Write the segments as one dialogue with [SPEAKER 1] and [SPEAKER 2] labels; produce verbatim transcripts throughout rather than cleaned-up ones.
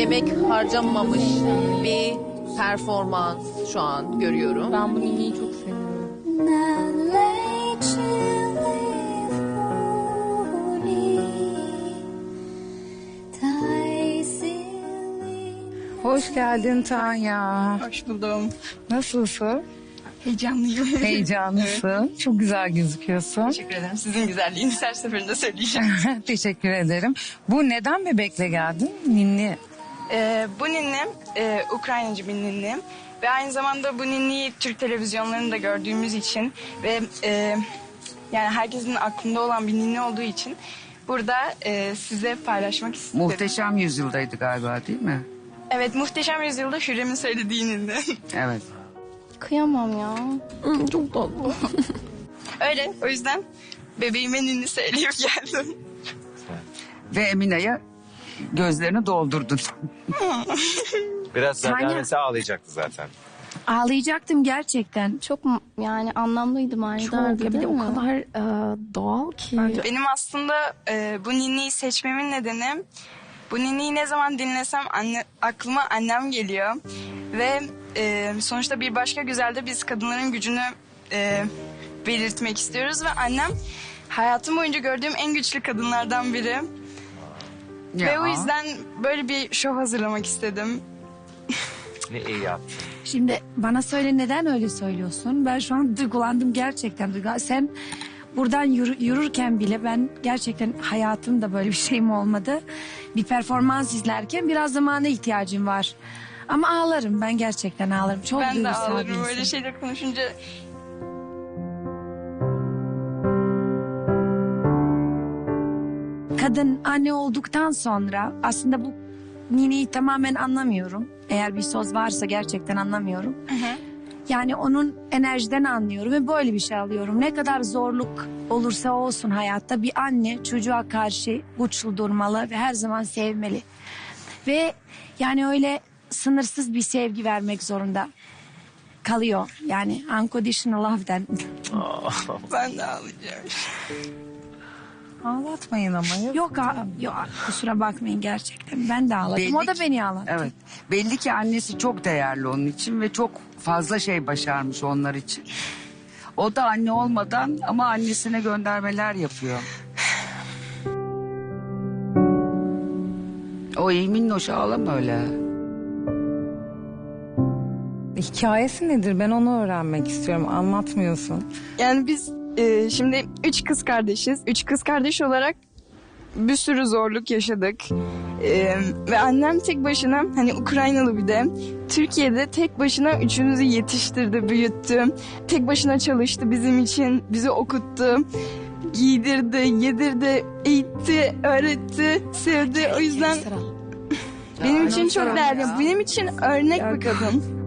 [SPEAKER 1] emek harcanmamış bir performans şu an görüyorum.
[SPEAKER 2] Ben bu ninniyi çok seviyorum.
[SPEAKER 3] Hoş geldin Tanya.
[SPEAKER 4] Hoş buldum.
[SPEAKER 3] Nasılsın?
[SPEAKER 4] Heyecanlıyım.
[SPEAKER 3] Heyecanlısın. Evet. Çok güzel gözüküyorsun.
[SPEAKER 4] Teşekkür ederim. Sizin güzelliğiniz her seferinde söyleyeceğim.
[SPEAKER 3] Teşekkür ederim. Bu neden bebekle geldin? Ninni.
[SPEAKER 4] Ee, bu ninnim e, Ukraynacı bir ninnim. Ve aynı zamanda bu ninniyi Türk televizyonlarında gördüğümüz için ve e, yani herkesin aklında olan bir ninni olduğu için burada e, size paylaşmak istedim.
[SPEAKER 3] Muhteşem Yüzyıl'daydı galiba değil mi?
[SPEAKER 4] Evet, Muhteşem Yüzyıl'da Hürrem'in söylediği ninni.
[SPEAKER 3] Evet.
[SPEAKER 2] Kıyamam ya.
[SPEAKER 1] Hmm, çok tatlı.
[SPEAKER 4] Öyle, o yüzden bebeğime ninni söyleyip geldim.
[SPEAKER 3] Ve Emine'ye gözlerini doldurdun.
[SPEAKER 5] Biraz zaten
[SPEAKER 2] Tanya.
[SPEAKER 5] mesela ağlayacaktı zaten.
[SPEAKER 2] Ağlayacaktım gerçekten. Çok mu- yani anlamlıydı manidar.
[SPEAKER 6] Çok ya bir de o kadar e, doğal ki.
[SPEAKER 4] Benim aslında e, bu ninniyi seçmemin nedeni, bu ninniyi ne zaman dinlesem anne, aklıma annem geliyor. Ve e, sonuçta bir başka güzelde biz kadınların gücünü e, belirtmek istiyoruz. Ve annem hayatım boyunca gördüğüm en güçlü kadınlardan biri.
[SPEAKER 3] Ya.
[SPEAKER 4] Ve o yüzden böyle bir show hazırlamak istedim.
[SPEAKER 5] Ne iyi yaptın.
[SPEAKER 6] Şimdi bana söyle neden öyle söylüyorsun? Ben şu an duygulandım gerçekten. Duygu- Sen buradan yürü- yürürken bile ben gerçekten hayatımda böyle bir şeyim olmadı. Bir performans izlerken biraz zamana ihtiyacım var. Ama ağlarım, ben gerçekten ağlarım. Çok
[SPEAKER 4] Ben de
[SPEAKER 6] duygusal bir
[SPEAKER 4] ağlarım
[SPEAKER 6] insanım.
[SPEAKER 4] öyle şeyler konuşunca.
[SPEAKER 6] Kadın anne olduktan sonra aslında bu nineyi tamamen anlamıyorum. Eğer bir söz varsa gerçekten anlamıyorum. Yani onun enerjiden anlıyorum ve böyle bir şey alıyorum. Ne kadar zorluk olursa olsun hayatta bir anne çocuğa karşı güçlü durmalı ve her zaman sevmeli. Ve yani öyle sınırsız bir sevgi vermek zorunda kalıyor. Yani unconditional love'den.
[SPEAKER 4] Ben de ağlayacağım.
[SPEAKER 3] Ağlatmayın ama. Ya.
[SPEAKER 6] Yok, a- yok kusura bakmayın gerçekten. Ben de ağladım.
[SPEAKER 3] Belli
[SPEAKER 6] O da
[SPEAKER 3] ki-
[SPEAKER 6] beni ağlattı.
[SPEAKER 3] Evet. Belli ki annesi çok değerli onun için ve çok fazla şey başarmış onlar için. O da anne olmadan ama annesine göndermeler yapıyor. O iyi minnoş, ağlama öyle.
[SPEAKER 7] Hikayesi nedir? Ben onu öğrenmek istiyorum. Anlatmıyorsun.
[SPEAKER 4] Yani biz e, şimdi üç kız kardeşiz. Üç kız kardeş olarak bir sürü zorluk yaşadık. E, ve annem tek başına, hani Ukraynalı bir de, Türkiye'de tek başına üçümüzü yetiştirdi, büyüttü. Tek başına çalıştı bizim için, bizi okuttu. Giydirdi, yedirdi, eğitti, öğretti, sevdi. O yüzden benim için çok değerli. Benim için örnek bir kadın.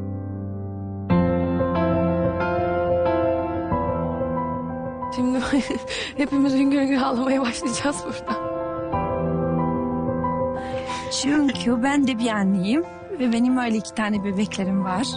[SPEAKER 2] Şimdi hepimiz hüngür hüngür ağlamaya başlayacağız burada.
[SPEAKER 6] Çünkü ben de bir anneyim ve benim öyle iki tane bebeklerim var.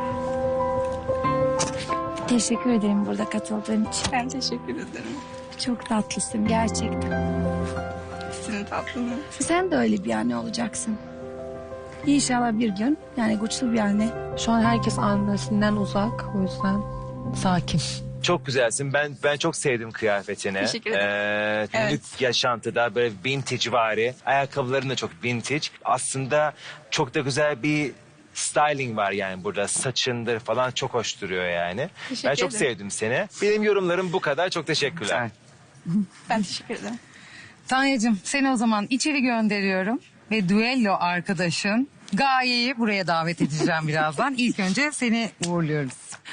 [SPEAKER 6] Teşekkür ederim burada katıldığın için.
[SPEAKER 4] Ben teşekkür ederim.
[SPEAKER 6] Çok tatlısın gerçekten.
[SPEAKER 4] Sizin tatlınız.
[SPEAKER 6] Sen de öyle bir anne olacaksın. İnşallah bir gün yani güçlü bir anne.
[SPEAKER 2] Şu an herkes annesinden uzak. O yüzden sakin.
[SPEAKER 5] Çok güzelsin. Ben ben çok sevdim kıyafetini.
[SPEAKER 4] Teşekkür ederim.
[SPEAKER 5] Ee,
[SPEAKER 4] Evet.
[SPEAKER 5] Günlük yaşantıda böyle vintage vari. Ayakkabıların da çok vintage. Aslında çok da güzel bir styling var yani burada. Saçındır falan çok hoş duruyor yani.
[SPEAKER 4] Teşekkür
[SPEAKER 5] Ben çok
[SPEAKER 4] ederim.
[SPEAKER 5] sevdim seni. Benim yorumlarım bu kadar. Çok teşekkürler.
[SPEAKER 3] Güzel.
[SPEAKER 4] Ben teşekkür ederim.
[SPEAKER 3] Tanyacığım seni o zaman içeri gönderiyorum ve duello arkadaşın Gaye'yi buraya davet edeceğim birazdan. İlk önce seni uğurluyoruz.